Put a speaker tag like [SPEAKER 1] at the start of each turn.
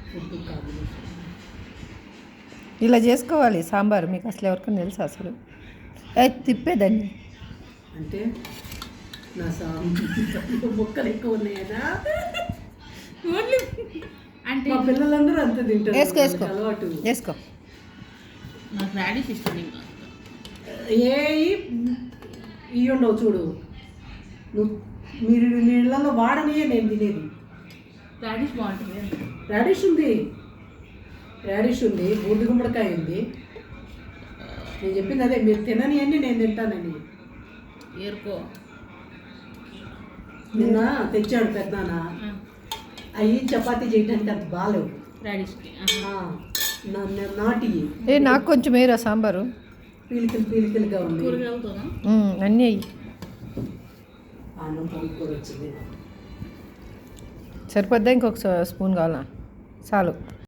[SPEAKER 1] Food combination.
[SPEAKER 2] ఇలా చేసుకోవాలి సాంబారు. మీకు అసలు ఎవరికైనా తెలుసా అసలు? తిప్పేదాన్ని
[SPEAKER 1] అంటే నా సాంబార్ ముక్కలు ఎక్కువ ఉన్నాయనా?
[SPEAKER 3] ఓన్లీ అంటే
[SPEAKER 1] మా పిల్లలందరూ అంతే తింటారు.
[SPEAKER 2] వేసుకో వేసుకో
[SPEAKER 1] అలవాటు.
[SPEAKER 2] వేసుకో.
[SPEAKER 3] నాకు రాడిష్ ఇష్టం. ఇంకా
[SPEAKER 1] ఏ ఇవి ఉండవు చూడు. మీరు నీళ్ళలో వాడనియే నేను తినేది.
[SPEAKER 3] రాడిష్ బాగుంటుంది.
[SPEAKER 1] రాడిష్ ఉంది, రాడిష్ ఉంది, బూడిద గుమ్మడికాయ ఉంది. నేను చెప్పింది అదే, మీరు తినని అన్నీ నేను తింటానని.
[SPEAKER 3] ఏరుకో.
[SPEAKER 1] నిన్న తెచ్చాడు పెద్దనాన్న. అవి చపాతీ చేయడానికి అంత బాగాలేవు.
[SPEAKER 3] రాడిష్కి
[SPEAKER 1] నాటి
[SPEAKER 2] నాకు కొంచెం వేరా సాంబారు.
[SPEAKER 1] పీలికలుగా ఉంది.
[SPEAKER 3] కూరగాయలతోనా
[SPEAKER 2] అన్నీ అయ్యి
[SPEAKER 1] అన్నం పొంగుకొని వచ్చింది.
[SPEAKER 2] సరిపోద్దా? ఇంకొక స్పూన్ కావాలా? చాలు.